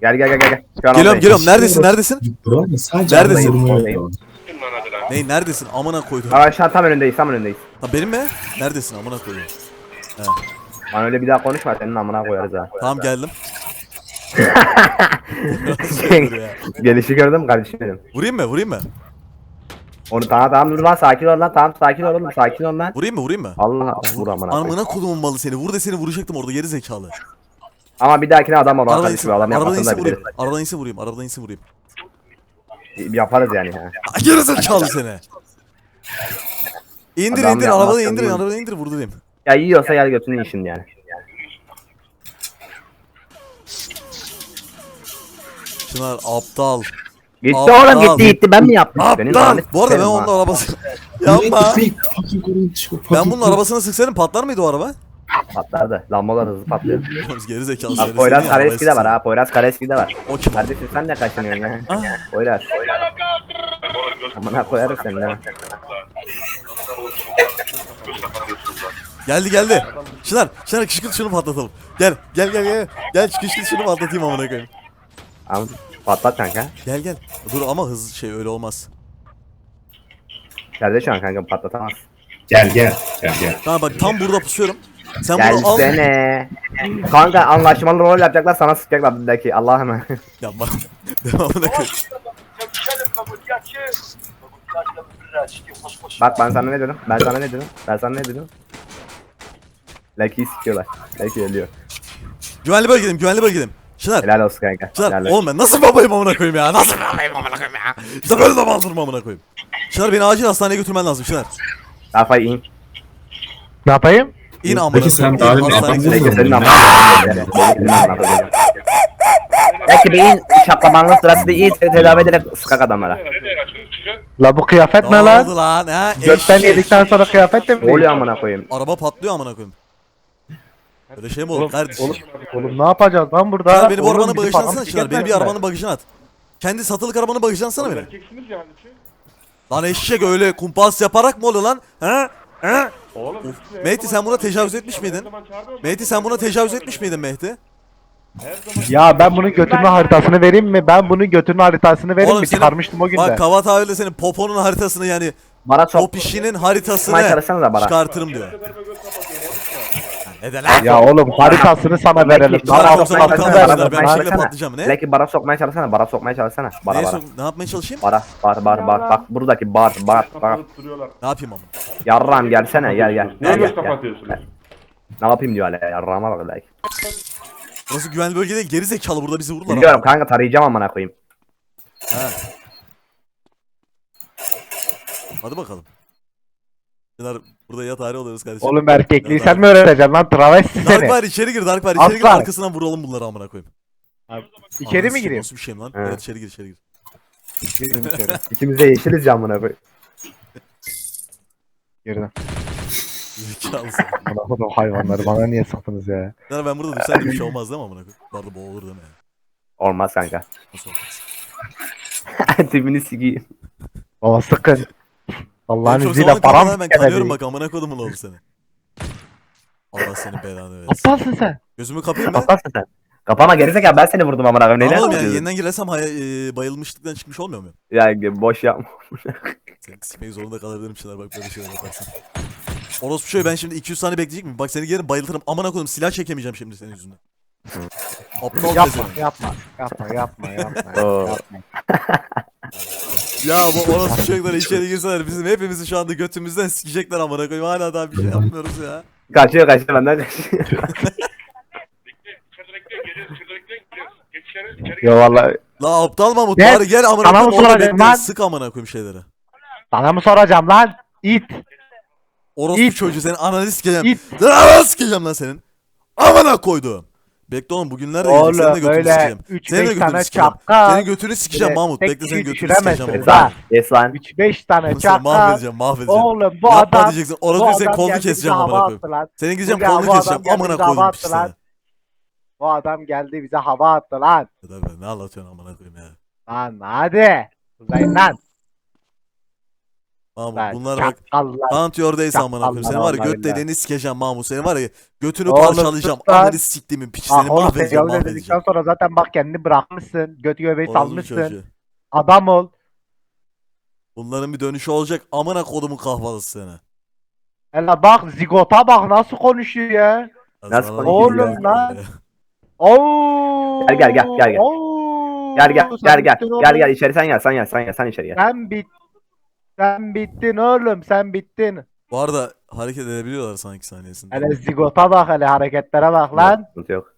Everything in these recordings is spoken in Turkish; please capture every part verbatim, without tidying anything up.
Gel gel gel gel. Şu an Geliyorum oradayım. geliyorum. Neredesin neredesin? Buranın sadece Neredesin? adamı vurmaya Oradayım. yapıyor. Ney neredesin? Amına koydum. Aa, şu an tam önündeyiz tam önündeyiz. Ha benim mi? Neredesin amına koydum. He. Bana öyle bir daha konuşma senin amına koyarız ha. Tamam geldim. Gelişi gördün mü kardeşim benim? Vurayım mı? Vurayım mı? Onu tamam tamam dur lan sakin ol lan tamam sakin ol oğlum sakin ol lan. Vurayım mı? Vurayım mı? Allah vur amına koyayım. Amına kodumun malı seni. Vur de seni vuracaktım orada geri zekalı. Ama bir dahakine adam ol lan Arabadan kardeşim insin. adam Arabadan yapmasını insin da vurayım. biliriz. Arabadan insin vurayım. Arabadan insin vurayım. Yaparız yani ha. Aa, geri zekalı seni. İndir Adam indir yapmaz arabadan tabii. indir arabadan indir vurdurayım. Ya yiyorsa gel götünü işin yani. Çınar aptal. Gitti Aptal. oğlum gitti gitti ben mi yaptım? Benim Aptal. lanet Bu arada ben sikerim onun ha. arabası. Yapma. Fucking korun çıkıyor. Ben bunun arabasını sıksaydım patlar mıydı o araba? Patlardı. Lambalar hızlı patlıyor. Geri zekalı Bak seni. Poyraz seni Kareski de arabayı var ha. Poyraz Kareski de var. O kim? Kardeşim sen de kaçınıyorsun ya. Ah. Poyraz. Amına koyarım seni ha. Geldi geldi. Çınar, Çınar kışkırt şunu patlatalım. Gel, gel gel gel. Gel kışkırt şunu patlatayım amına koyayım. Tamam patlat kanka. Gel gel. Dur ama hız şey öyle olmaz. Geldi şu an kanka patlatamaz. Gel gel. Gel gel. Tamam bak tam burada pusuyorum. Sen bunu al. Gelsene. Kanka anlaşmalı rol yapacaklar sana sıkacaklar bizdeki Allah'ım. Yapma. Devamına koy. Bak ben sana ne dedim? Ben sana ne dedim? Ben sana ne dedim? Lucky'yi sikiyorlar. Lucky ölüyor. Güvenli bölgedeyim, güvenli bölgedeyim. Çınar. Helal olsun kanka. Çınar. Helal olsun. Oğlum ben nasıl babayım amına koyayım ya? Nasıl babayım amına koyayım ya? İşte böyle de bandırma amına koyayım. Çınar beni acil hastaneye götürmen lazım Çınar. Kafayı in. Ne yapayım? İn amına Peki sen koyayım. İn daha hastaneye demin götür. Lucky senin yapmadın mı? amına. Senin amına koyacağım. Lucky bir in şaklamanlık sırası değil tedavi ederek sıkak adamlara. La bu kıyafet ne Ne lan? oldu lan ha? Gökten Eşek. yedikten sonra kıyafet de mi Ne oluyor değil? amına koyayım? Araba patlıyor amına koyayım. Öyle şey mi olur kardeşim? Oğlum, oğlum ne yapacağız lan burada? Çınar beni bu Oğlum, arabanın bizi bagajına falan atsana Çınar. Beni bir siketmezler. arabanın bagajına at. Kendi satılık arabanın bagajına atsana beni. Erkeksiniz yani ki. Lan eşek öyle kumpas yaparak mı oluyor lan? Ha? Ha? Oğlum. Of. siz her Mehdi zaman sen buna çağırıyorsunuz. tecavüz etmiş Her miydin? zaman çağırmıyor Mehdi sen buna tecavüz etmiş miydin Mehdi? Her zaman Ya ben bunun götürme haritasını vereyim mi? Ben bunun götürme haritasını vereyim Oğlum mi? senin- Çıkarmıştım o günde. Bak Kavat abi de senin poponun haritasını yani Bana o sok. pişinin haritasını Sokmaya çalışsanıza bana. çıkartırım diyor. kadar göz kapatıyorum. Ne de lan? Ya oğlum haritasını sana verelim. Bana Çınar Sana yoksa sokmaya aptal çalışsana, mısın? bana Ben sokmaya bir şekilde çalışsana. patlayacağım ne? Lucky bara sokmaya çalışsana, bara sokmaya çalışsana. Bara Neye bara. sok- ne yapmaya çalışayım? Bara, bar, bar, bar, bak, bak buradaki bar, bar. Kapatıp duruyorlar. Ne yapayım ama? Yarram gelsene, gel gel. Niye Gel, göz gel, gel. kapatıyorsunuz? Ne yapayım diyor hala, yarrama bak Lucky. Burası güvenli bölge değil, geri zekalı burada bizi vururlar. Biliyorum kanka tarayacağım amına koyayım. Ha. Hadi bakalım. Çınar burada ya tarih oluyoruz kardeşim. Oğlum erkekliği Ya sen mi öğreteceksin lan? Travesti Dark seni. var içeri gir, Dark var içeri gir, Aslan. arkasından vuralım bunları amına koyayım. İçeri Anasını mi gireyim? Nasıl bir şeyim lan? He. Evet içeri gir, içeri gir. Girdim içeri. İkimiz de yeşiliz ya amına koyayım. Girdim. Zekalısın. Bana o hayvanları bana niye sattınız ya? Çınar ben burada dursaydım bir şey olmaz değil mi amına koyayım? Bu arada boğulur değil mi? Olmaz kanka. Nasıl olmaz? Tipini sikeyim. Baba sıkın. Allah'ın Benim çok izniyle zamanın param kafadan ben kanıyorum gelmedi. bak amına kodumun oğlu seni. Allah seni belanı versin. Aptalsın sen. Gözümü kapayım mı? Kapatsın sen. Kapama gerizekalı ben seni vurdum amına koyayım. Tamam Neyden oğlum yani yapıyorsun? yeniden girersem hay- e, bayılmışlıktan çıkmış olmuyor muyum? Ya boş yapma. Seni sikmek zorunda kalabilirim Çınar bak böyle şeyler yaparsan. Orospu şöyle ben şimdi iki yüz saniye bekleyecek miyim? Bak seni gelin bayıltırım. Amına koyayım silah çekemeyeceğim şimdi senin yüzünden. Aptal Yapma, pezevenk. yapma, yapma, yapma, yapma, Oo. yapma. Ya bu orospu çocuklar içeri girseler bizim hepimizi şu anda götümüzden sikecekler amına koyayım. Hala daha bir şey yapmıyoruz ya. Kaçıyor kaçıyor benden kaçıyor. İçeride bekleyin geliyoruz. İçeride bekleyin geliyoruz. Geç içeri. içeri Yo vallahi La aptal Mahmut Gel, bari gel amına sana mı koyayım orada soracağım bekle. lan? Sık amına koyayım şeyleri. sana mı soracağım lan? İt. Orospu İt. çocuğu senin ananı sikeceğim. İt. Sen ananı sikeceğim lan senin. Amına koydum. Bekle oğlum bugünlerde Oğlum, yiyecek. Senin de götünü böyle sikeceğim. üç Senin de beş götünü tane sikeceğim. çapka. Senin götünü sikeceğim Böyle Mahmut. tek Bekle senin kişi götünü sikeceğim düşüremezsiniz oğlum. ha. Yes lan. üç beş tane Oğlum seni çakal. mahvedeceğim mahvedeceğim. Oğlum bu Yapma adam. diyeceksin. bu Orospu senin adam kolunu geldi bize keseceğim amına hava koyayım. attı lan. Senin gideceğim Bu kolunu adam keseceğim. geldi Amına bize hava koydum attı işte. lan. Bu adam geldi bize hava attı lan. Tabii, ne anlatıyorsun amına koyayım ya. Lan hadi. Uzayın lan. Mahmut Lan bunlar bak. çakallar. Count your days amına koyayım. Seni var ya Allah göt Allah. deliğini sikeceğim Mahmut. Seni var ya götünü Oğlum parçalayacağım. sus lan. Amını siktimin piçi Ah seni oğlum mahvedeceğim tecavüz edildikten mahvedeceğim. sonra zaten bak kendini bırakmışsın. Götü göbeği Orospu salmışsın. çocuğu. Adam ol. Bunların bir dönüşü olacak. Amına kodumun kahvaltısı seni. Hele bak zigota bak nasıl konuşuyor ya. Nasıl Azralar konuşuyor gibi ya? ya. Oo. Gel, gel, gel, gel, gel. Oo. Gel gel Sen gel gel. bittin Gel oğlum. gel içeri sen gel sen gel sen gel sen içeri gel. Sen bit. Sen bittin oğlum sen bittin. Bu arada hareket edebiliyorlar sanki saniyesinde. Hele zigota bak hele hareketlere bak lan. Yok, sıkıntı yok.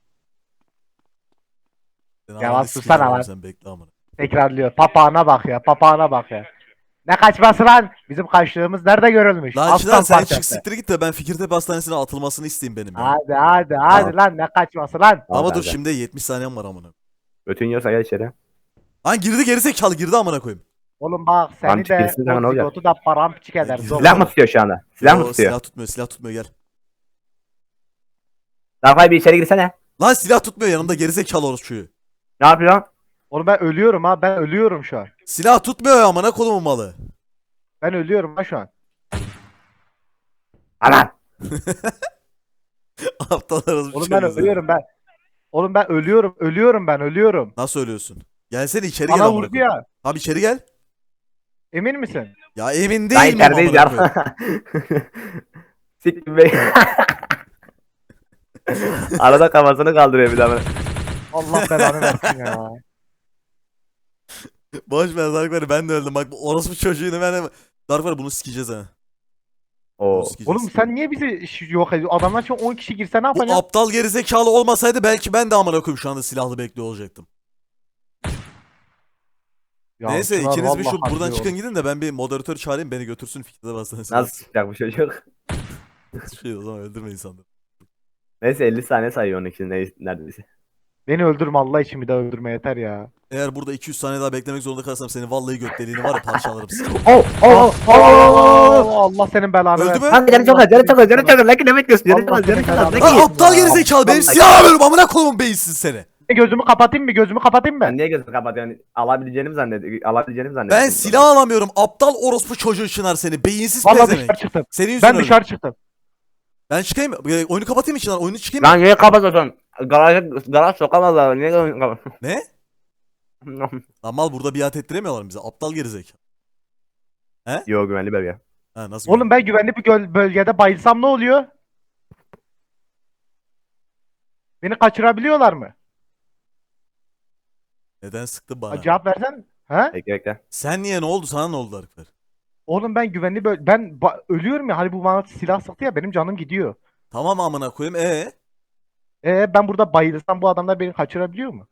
Seni Ya amına lan sikeceğim susana oğlum, lan. Sen bekle amına. Tekrarlıyor. Papağana bak ya papağana bak ya. Ne kaçması lan? Bizim kaçtığımız nerede görülmüş? Lan Aslan Çınar sen parçası. çık siktir git de ben Fikirtepe Hastanesi'ne atılmasını isteyeyim benim ya. Hadi hadi hadi Tamam. lan ne kaçması lan? Ama Al dur kanka. şimdi yetmiş saniyem var amına. Götün yiyorsa gel içeri. Lan girdi gerizekalı girdi amına koyayım. Oğlum bak seni Amcık de girsin sana ne o olacak? zigotu da paramparça eder. Silah zor. Silah mı tutuyor şu anda? Silah mı Yo, tutuyor? Silah tutmuyor silah tutmuyor gel. Darfay bir içeri girsene. Lan silah tutmuyor yanımda gerizekalı orospuyu. Ne yapıyorsun? Oğlum ben ölüyorum ha ben ölüyorum şu an. Silah tutmuyor ya amına kodumun malı. Ben ölüyorum ha şu an. Anan. Aptal orospu Oğlum ben çocuğu. ölüyorum ben. Oğlum ben ölüyorum ölüyorum ben ölüyorum. Nasıl ölüyorsun? Gelsene içeri gel Bana amına vurdu koyayım. ya. Abi içeri gel. Emin misin? Ya emin Daha değilim amına içerideyiz koyayım. ya. Siktir bey. Arada kafasını kaldırıyor bir daha. Allah belanı versin ya. Boş ver Darkwar'ı ben de öldüm. Bak bu orospu çocuğunu ben de... Darkwar'ı bunu sikeceğiz ha. Oo. Bunu sikeceğiz. Oğlum sen niye bizi ş- yok ediyorsun? Adamlar şu an on kişi girse ne Bu yapacaksın? aptal gerizekalı olmasaydı belki ben de amına koyayım şu anda silahlı bekliyor olacaktım. Ya Neyse Çınar ikiniz bir şu vallahi buradan haklı çıkın oğlum. gidin de ben bir moderatör çağırayım beni götürsün Fikirtepe Hastanesi'ne. Nasıl çıkacak bu çocuk? Şey o zaman öldürme insanları. Neyse elli saniye sayıyor onun için ne- neredeyse. Beni öldürme Allah için bir daha öldürme yeter ya. Eğer burada iki yüz saniye daha beklemek zorunda kalırsam seni vallahi göt deliğini var ya parçalarım seni. Oh oh Oo, Allah senin belanı Öldü versin. mü? Kanka canı çok az canı çok az canı çok az. Lakin ne bekliyorsun? Canı çok Allah az canı seni çok az. belanı Lakin. Lan aptal gerizekalı benim Vallahi- silah alıyorum amına koyayım beyinsiz seni. Gözümü kapatayım mı? Gözümü kapatayım mı? Ben niye gözünü kapatıyorsun? Alabileceğini mi zannediyorsun? Alabileceğini mi zannediyorsun? Ben silah alamıyorum aptal orospu çocuğu Çınar seni beyinsiz Vallahi pezevenk. dışarı çıktım. Senin yüzünden Ben öldüm. dışarı çıktım. Ben çıkayım mı? E, Oyunu kapatayım mı Çınar? Oyunu çıkayım mı? Lan niye kapatıyorsun? Garaj, garaj sokamazlar. Niye gözünü kapatıyorsun? Ne? Lan mal burada biat ettiremiyorlar bize. Aptal gerizekalı. Yo güvenli bölge. Ha nasıl? Oğlum ben güvenli bir göl- bölgede bayılsam ne oluyor? Beni kaçırabiliyorlar mı? Neden sıktın bana? Cevap versen. He? Bekle bekle. Sen niye ne oldu? Sana ne oldu Darkver? Oğlum ben güvenli böl ben ba- ölüyorum ya hani bu bana silah sıktı ya benim canım gidiyor. Tamam amına koyayım. E Ee ben burada bayılsam bu adamlar beni kaçırabiliyor mu?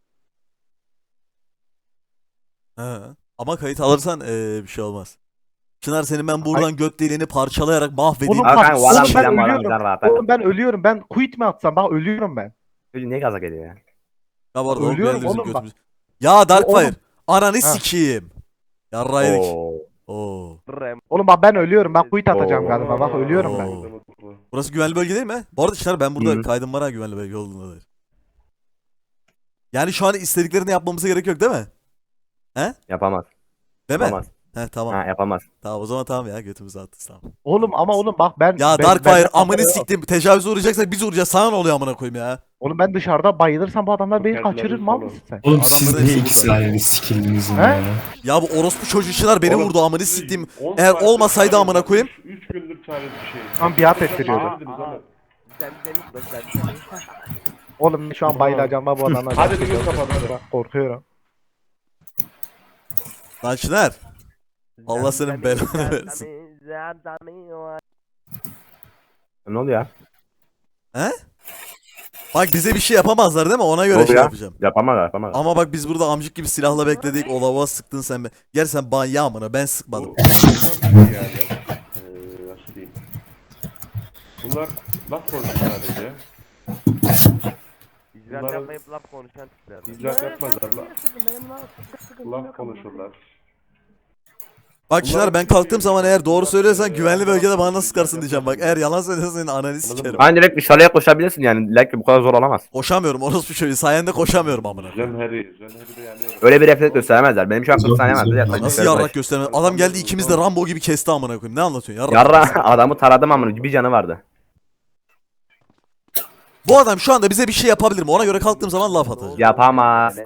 Ha. Ama kayıt alırsan ee, bir şey olmaz. Çınar senin ben buradan göt deliğini parçalayarak mahvedeyim. Oğlum Al bak, kanka oğlum varan ben bilen varan ölüyorum. bilen rahat. Oğlum ben ölüyorum. Ben quit mi atsam? Bak ölüyorum ben. Çocuk niye gaza geliyor ya? Ya bu arada o Ölüyorum geldi bizim oğlum bak. götümüz. Ya Darkfire. Oğlum. Ananı sikeyim. Yarraydık. Oo. Oo. Oğlum bak ben ölüyorum. Ben quit atacağım Oo. galiba. Bak ölüyorum ben. Oo. Burası güvenli bölge değil mi? Bu arada Çınar ben burada Hı. kaydım var ha güvenli bölge olduğuna dair. Yani şu an istediklerini yapmamıza gerek yok değil mi? Yapamaz. Değil mi? Yapamaz. He tamam. Ha yapamaz. Tamam o zaman tamam ya götümüzü attı tamam. Oğlum ama oğlum bak ben Ya ben- Darkfire ben- amını siktim. Tecavüze uğrayacaksak biz uğrayacağız. Sana ne oluyor amına koyayım ya? Oğlum ben dışarıda bayılırsam bu adamlar beni Kendileri kaçırır mal falan. mısın sen? Oğlum Adamların siz niye hepsi iki burada. silahını sikildiniz He? ya? Ya bu orospu çocuğu Çınar beni Oğlum, vurdu amını siktim. on Eğer saattir olmasaydı çare amına koyayım. üç gündür çare bir şey. Tam biat ettiriyordu. Çarediniz oğlum. Oğlum şu an bayılacağım ha bu adamlar. Hadi bir gün kapat hadi. Bak, korkuyorum. Lan Çınar. Allah senin belanı versin. Ne oluyor ya? He? Bak bize bir şey yapamazlar değil mi? Ona göre Oluyor şey ya. yapacağım. Yapamaz yapamaz. Ama bak biz burada amcık gibi silahla bekledik. O lavuğa sıktın sen be. Gel sen ban ya amına ben sıkmadım. Bu- yani. Ee, nasıl diyeyim? Bunlar laf konuşuyor sadece. İcraat Bunların- yapmayıp laf konuşan tipler. İcraat yapmazlar. Laf, laf konuşurlar. Bak Çınar ben kalktığım zaman eğer doğru söylüyorsan güvenli bölgede bana nasıl sıkarsın diyeceğim bak. Eğer yalan söylüyorsan senin ananı sikerim. Hani direkt dışarıya koşabilirsin yani. Like bu kadar zor olamaz. Koşamıyorum orospu çocuğu sayende koşamıyorum amına. Zemheri, Zemheri de yanıyor. Öyle bir refleks gösteremezler. Benim şu an kırk saniye vardı. Yaklaşık Nasıl dışarı yarrak koş. göstermez? Adam geldi ikimiz de Rambo gibi kesti amına koyayım. Ne anlatıyorsun yarrak? Yarra adamı taradım amına. Bir canı vardı. Bu adam şu anda bize bir şey yapabilir mi? Ona göre kalktığım zaman laf atacağım. Yapamaz.